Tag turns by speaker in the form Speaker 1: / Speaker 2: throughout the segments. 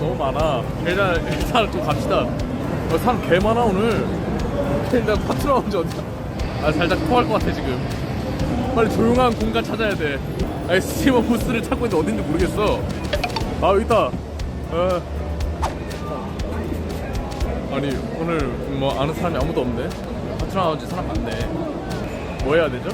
Speaker 1: 너무 많아. 일단 좀 갑시다. 사람 개 많아 오늘. 일단 파트너 언제 어디야? 아 살짝 토할 것 같아 지금. 빨리 조용한 공간 찾아야 돼. 아니 스티머 부스를 찾고 있는데 어딘지 모르겠어. 아 여기 있다. 아니 오늘 뭐 아는 사람이 아무도 없네. 파트너 나온 지 사람 많네. 뭐 해야 되죠?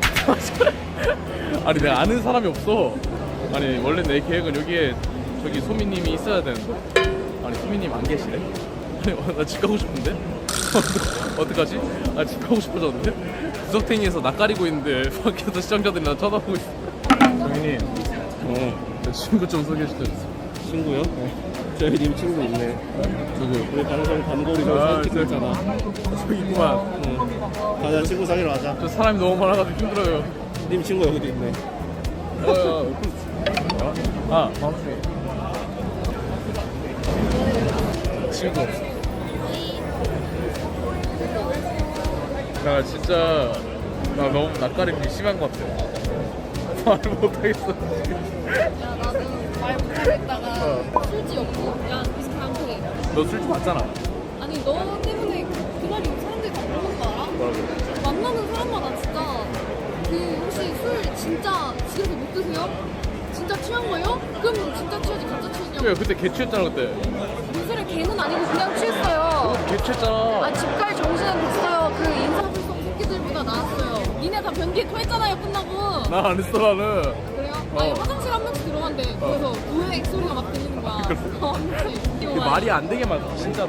Speaker 1: 아니 내가 아는 사람이 없어. 아니 원래 내 계획은 여기에 저기 소미님이 있어야 되는데. 아니 소미님 안 계시네. 아니 나 집 가고 싶은데. 어떡하지? 나 집 가고 싶어졌는데. 구석탱이에서 낯가리고 있는데 밖에서 시청자들이 나 쳐다보고 있어. 소미님. 내 친구 좀 소개시켜주세요.
Speaker 2: 친구요? 네. 저희 님 친구 있네.
Speaker 1: 누구?
Speaker 2: 우리 방송 단골이 사진 찍고 있잖아.
Speaker 1: 저기 있구만.
Speaker 2: 가자, 친구 사귀러 가자.
Speaker 1: 저 사람이 너무 많아가지고 힘들어요.
Speaker 2: 님 친구 여기도 있네.
Speaker 1: 아, 방송에 친구 없어. 나 진짜 나 너무 낯가림이 심한 것 같아. 말을 못하겠어.
Speaker 3: 야 나는 말 못하겠다가 술집 없고 야 비슷한데
Speaker 1: 너 술집 봤잖아.
Speaker 3: 아니 너 때문에 그날 사람들이 다 물어본 거 알아?
Speaker 1: 뭐라고?
Speaker 3: 만나는 사람마다 진짜 그 혹시 술 진짜 집에서 못 드세요? 진짜 취한 거예요? 그럼 진짜 취하지 가짜 취했냐고.
Speaker 1: 야 그때 개 취했잖아 그때.
Speaker 3: 무술의 개는 아니고 그냥 취했어요.
Speaker 1: 개 취했잖아.
Speaker 3: 아 집 갈 정신은 됐어요. 그 인사불성 새끼들보다 나았어요. 니네 다 변기에 토했잖아요 끝나고.
Speaker 1: 나 안 했어 나는.
Speaker 3: 그래요? 아니
Speaker 1: 어.
Speaker 3: 화장실 한 명씩 들어간대. 그래서 우회 액소리가 막 들리는 거야.
Speaker 1: 이게 말이 안 되게 많아 진짜로.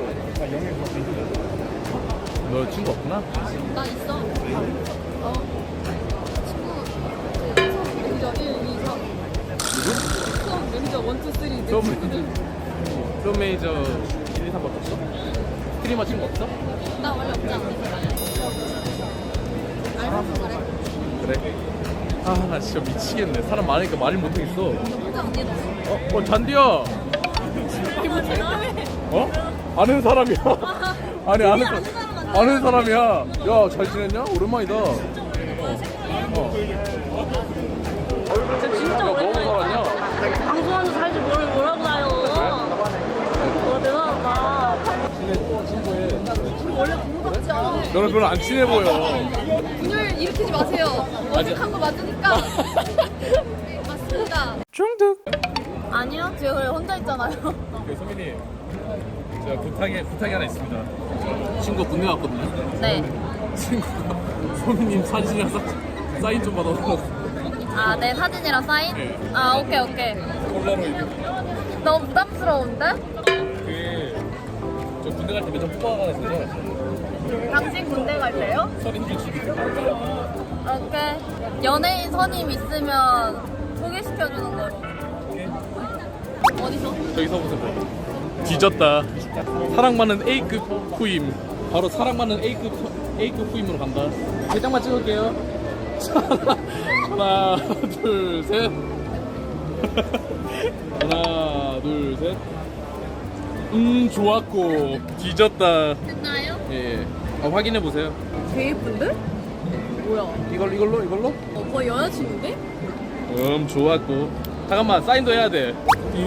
Speaker 1: 너 친구 없구나?
Speaker 3: 나 있어. 친구 수업 매니저 1, 2, 3. 수업 매니저 1, 2, 3. 내
Speaker 1: 수업
Speaker 3: 친구들.
Speaker 1: 수업 매니저 1, 2, 3밖에 없어? 스트리머 친구 없어?
Speaker 3: 나 원래 없지 않아. 알면서 그래.
Speaker 1: 그래? 아 나 진짜 미치겠네. 사람 많으니까 말을 못하겠어.
Speaker 3: 혼자 언니 너.
Speaker 1: 잔디야.
Speaker 3: 이거 대단해.
Speaker 1: 어? 아는 사람이야. 아니 아는
Speaker 3: 아는 사람 아니야.
Speaker 1: 아는 사람이야. 야 잘 지냈냐? 오랜만이다.
Speaker 3: 진짜
Speaker 1: 야, 너무 살았냐?
Speaker 3: 방송하는 살지 뭐라고 나요. 대단하다. 원래 공부박지야.
Speaker 1: 너는 별로 안 친해 보여.
Speaker 3: 분열 일으키지 마세요. 어색한 거 맞으니까. 네, 맞습니다.
Speaker 1: 중독.
Speaker 3: 아니요, 제가 그래 혼자 있잖아요.
Speaker 1: 소민이 제가 부탁이 하나 있습니다. 친구 군대 갔거든요.
Speaker 3: 네.
Speaker 1: 친구가 소민님 사진이랑 사인 좀 받아서
Speaker 3: 아, 내 사진이랑 사인?
Speaker 1: 네.
Speaker 3: 아, 오케이.
Speaker 1: 폴라로이드.
Speaker 3: 너무 부담스러운데?
Speaker 1: 저 군대 갈 때 몇 장 뽑아가거든요.
Speaker 3: 당신 군대 갈 때요?
Speaker 1: 서린지 집이.
Speaker 3: 오케이. 연예인 선임 있으면 소개시켜주는 거로. 어디서?
Speaker 1: 저기서 보세요. 뒤졌다. 사랑받는 A급 후임. 바로 사랑받는 A급 후임으로 간다. 3장만 찍을게요. 하나, 둘, 셋. 하나, 둘, 셋. 좋았고. 뒤졌다.
Speaker 3: 됐나요?
Speaker 1: 예. 확인해 보세요.
Speaker 3: 되게 예쁜데? 뭐야?
Speaker 1: 이걸로?
Speaker 3: 거의 여자친구인데?
Speaker 1: 좋았고. 잠깐만, 사인도 해야 돼.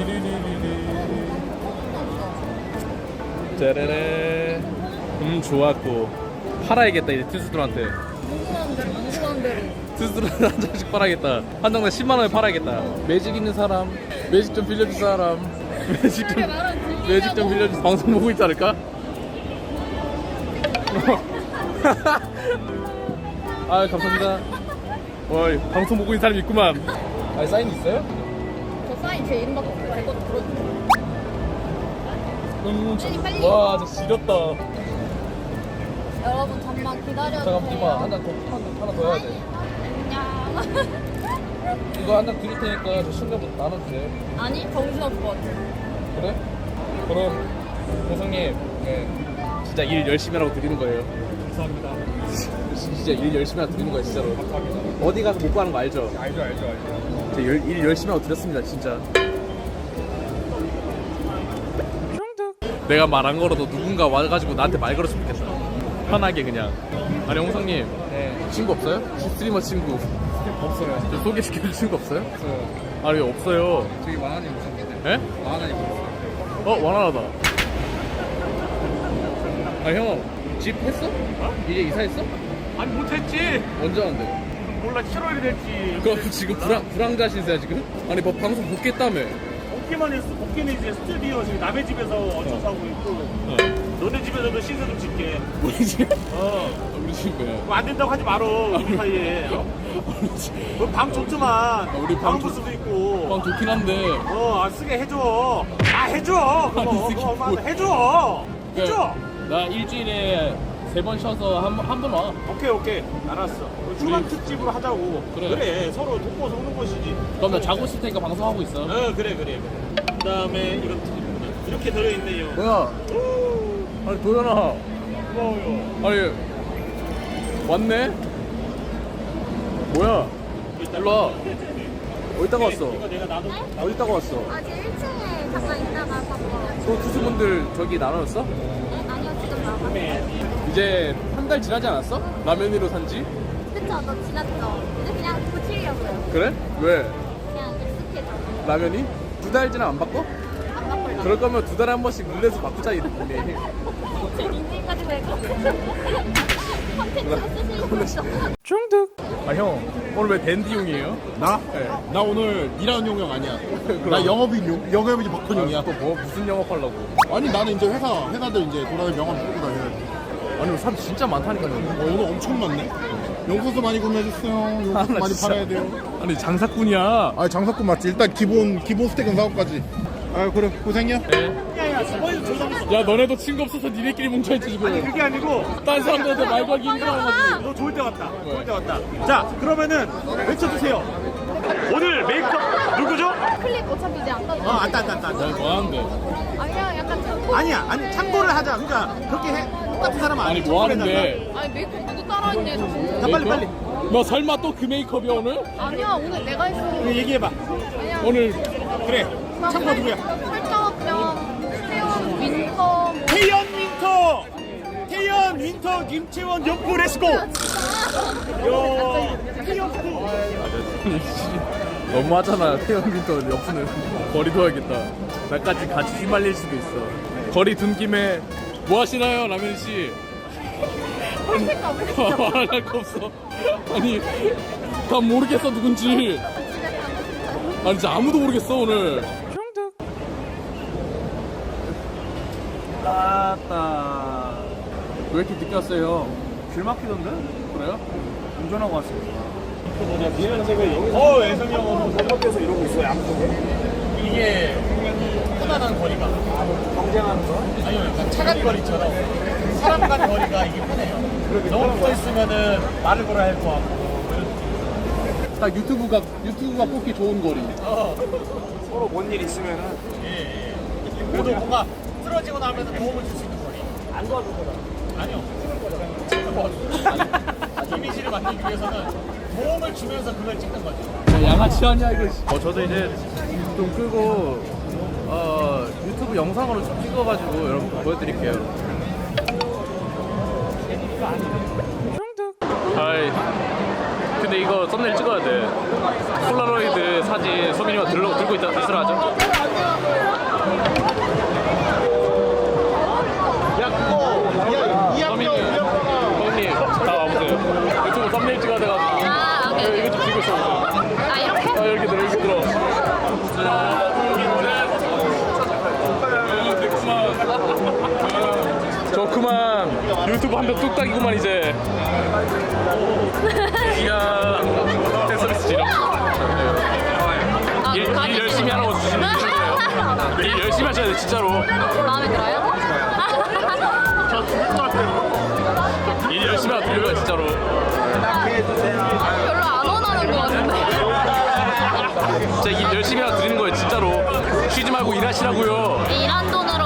Speaker 1: 짜라라. 좋았고. 팔아야겠다 이제 투수들한테.
Speaker 3: 궁금한 대로.
Speaker 1: 투수들한테 한 장씩 팔아야겠다. 한 장당 10만 원에 팔아야겠다. 매직 있는 사람, 매직 좀 빌려줄 사람, 매직 좀 빌려줄 방송 보고 있지 않을까? 아 감사합니다. 어이 방송 보고 있는 사람이 있구만. 아 사인 있어요?
Speaker 3: 저 사인 제 이름밖에 없고 제 것도 들어주세요. 빨리.
Speaker 1: 와 진짜 지렸다.
Speaker 3: 여러분 잠만 기다려주세요.
Speaker 1: 잠깐만 이봐 한 장 하나 더 해야 돼.
Speaker 3: 안녕.
Speaker 1: 이거 한 장 드릴 테니까 저 신경부터 나눠주세요.
Speaker 3: 아니 정신없을 것 같아.
Speaker 1: 그래? 그럼 고성님 네. 진짜 일 열심히 하라고 드리는 거예요.
Speaker 2: 감사합니다.
Speaker 1: 진짜 일 열심히 하라고 드리는 거예요 진짜로. 어디 가서 못 가는 거 알죠?
Speaker 2: 알죠.
Speaker 1: 저 일 열심히 하고 드렸습니다 진짜. 내가 말 안 걸어도 누군가 와가지고 나한테 말 걸었으면 좋겠다. 편하게 그냥. 아니 홍성님
Speaker 2: 네.
Speaker 1: 친구 없어요? 스트리머 친구
Speaker 2: 없어요.
Speaker 1: 저 소개시켜줄 친구 없어요?
Speaker 2: 없어요.
Speaker 1: 아니 없어요.
Speaker 2: 저기 만화님 오셨는데.
Speaker 1: 예?
Speaker 2: 만화님 오셨어요.
Speaker 1: 원활하다. 아 형, 집 했어? 이제 이사했어?
Speaker 2: 아니 못했지.
Speaker 1: 언제 하는데?
Speaker 2: 몰라 7월이 됐지.
Speaker 1: 그럼 지금 불황자 신세야 지금? 아니 뭐 방송 복귀했다며.
Speaker 2: 복귀만 했어. 복귀는 이제 스튜디오 지금 남의 집에서 얹혀서 하고 있고. 너네 집에서도 시세 좀 짓게.
Speaker 1: 우리 집?
Speaker 2: 어.
Speaker 1: 우리 집 뭐야?
Speaker 2: 뭐 안 된다고 하지 말어. 우리 사이에. 방 좋지만.
Speaker 1: 우리 방
Speaker 2: 방
Speaker 1: 좋-
Speaker 2: 부스도 있고.
Speaker 1: 방 좋긴 한데.
Speaker 2: 안 쓰게 해줘. 해줘.
Speaker 1: 아니,
Speaker 2: 그거
Speaker 1: 이게
Speaker 2: 엄마한테
Speaker 1: 뭐-
Speaker 2: 해줘. 해줘.
Speaker 1: 나 일주일에 3번 쉬어서 한 번 와.
Speaker 2: 오케이. 알았어. 휴방 특집으로 하자고.
Speaker 1: 그래.
Speaker 2: 서로 돕고 속는 것이지.
Speaker 1: 그럼 나 자고 있을 테니까 방송하고 있어.
Speaker 2: 그래. 그 다음에 이건 이렇게 들어있네요.
Speaker 1: 뭐야? 아니 도현아.
Speaker 2: 고마워요.
Speaker 1: 아니 왔네? 뭐야? 일로 와. 어디다가 왔어?
Speaker 2: 이거 내가 나도
Speaker 1: 어디다가 왔어?
Speaker 3: 아직 1층에 잠깐 있다가 바꿔.
Speaker 1: 또 투수분들 저기 나눴어?
Speaker 3: 아니요, 지금 나가.
Speaker 1: 이제 한 달 지나지 않았어? 라면으로 산지?
Speaker 3: 그쵸, 너 지났죠? 근데 그냥 고치려고요.
Speaker 1: 그래? 왜?
Speaker 3: 그냥 익숙해져.
Speaker 1: 라면이? 2달 지나 안 바꿔?
Speaker 3: 안 바꿀라.
Speaker 1: 그럴 거면 2달에 한 번씩 룰렛을 바꾸자 이랬더니.
Speaker 3: 제 인생까지 왜 컨텐츠로 쓰시고 있어.
Speaker 1: 중득. 아 형, 오늘 왜 댄디용이에요?
Speaker 4: 나?
Speaker 1: 네.
Speaker 4: 나 오늘 일하는 용역 아니야.
Speaker 1: 그럼.
Speaker 4: 나 영업인 박헌용이야.
Speaker 1: 또 뭐 무슨 영업하려고?
Speaker 4: 아니 나는 이제 회사들 이제 돌아다니는 명함 뽑고 다녀야지.
Speaker 1: 아니 사람 진짜 많다니까요.
Speaker 4: 오늘 엄청 많네. 용소스 많이 구매해주세요. 용소스
Speaker 1: 아, 나
Speaker 4: 많이
Speaker 1: 진짜.
Speaker 4: 팔아야 돼요.
Speaker 1: 아니 장사꾼이야.
Speaker 4: 아 장사꾼 맞지. 일단 기본 스택은 사고까지. 아 그래 고생이야.
Speaker 2: 야야 저번에 조상
Speaker 1: 야 너네도 친구 없어서 니네끼리 뭉쳐있지 지금.
Speaker 2: 그게 아니고
Speaker 1: 딴 사람들한테 말 걸기 힘들어가지고.
Speaker 2: 너 좋을 때 왔다. 좋을 때 왔다. 자 그러면은 외쳐주세요. 오늘 메이크업 누구죠?
Speaker 3: 클립 어차피 이제 안 가도
Speaker 2: 안다.
Speaker 1: 야 뭐하는데?
Speaker 3: 아니야, 약간 참고.
Speaker 2: 아니 참고를 하자. 그러니까 그렇게 해 똑같은 사람
Speaker 1: 아니
Speaker 2: 아니야.
Speaker 1: 뭐하는데?
Speaker 3: 아니, 메이크업 누구 따라했네, 자꾸.
Speaker 2: 자 빨리.
Speaker 1: 너 설마 또 그 메이크업이야 오늘?
Speaker 3: 아니야, 오늘 내가 했어.
Speaker 2: 그럼 얘기해봐.
Speaker 3: 아니야.
Speaker 1: 오늘
Speaker 2: 그래. 참고 누구야?
Speaker 3: 설정병, 수영, 윈터, 뭐.
Speaker 2: 태연 윈터 김채원 연포 렛츠고. 야 태연포.
Speaker 1: 너무하잖아. 태연빈터 옆수는 거리 둬야겠다. 나까지 같이 휘말릴 수도 있어. 거리 둔 김에 뭐 하시나요 라면씨? 말할 거 없어. 아니 난 모르겠어 누군지. 아니 진짜 아무도 모르겠어 오늘.
Speaker 2: 아따.
Speaker 1: 왜 이렇게 늦게 왔어요?
Speaker 2: 길 막히던데?
Speaker 1: 그래요?
Speaker 2: 운전하고 왔습니다. 애성이 형은 잘못돼서 이러고 있어요. 양쪽에. 이게 편안한 거리가. 경쟁하는 거? 아니요, 약간 차간 거리처럼 사람 간 거리가 이게 편해요. 너무 붙어 있으면은 말을 걸어야 할 것 같고.
Speaker 1: 딱 유튜브가 뽑기 좋은 거리.
Speaker 2: 서로 뭔 일 있으면은. 예. 그래도 뭔가 쓰러지고 나면 도움을 줄 수 있는 거리. 안 도와줄 거다. 아니요. 이미지를 만들기 위해서는 도움을 주면서 그걸 찍는 거죠.
Speaker 1: 양아치 아니야 이거. 저도 이제 좀 끄고 유튜브 영상으로 좀 찍어가지고 여러분 보여드릴게요. 아이 근데 이거 썸네일 찍어야 돼. 폴라로이드 사진 소민이가 들고 있으라 하죠. 소민이 형님 다 와보세요. 유튜브 썸네일 찍어야 돼가지고.
Speaker 3: 아, 오케이.
Speaker 1: 이거 좀 찍고 있어.
Speaker 3: 아, 이렇게?
Speaker 1: 이렇게 들어. 자, 좋구만. 유튜브 한 편 뚝딱이구만 이제. 이야, 팬서비스 지려. 일 열심히 하라고 주시는 거예요. 일 열심히 하셔야 돼 진짜로.
Speaker 3: 마음에 들어요?
Speaker 1: 일 열심히 하고 드릴 거야 진짜로.
Speaker 3: 별로 안 원하는 것 같은데.
Speaker 1: 진짜 일 열심히 하고 드리는 거예요 진짜로. 쉬지 말고 일하시라고요.
Speaker 3: 일한 돈은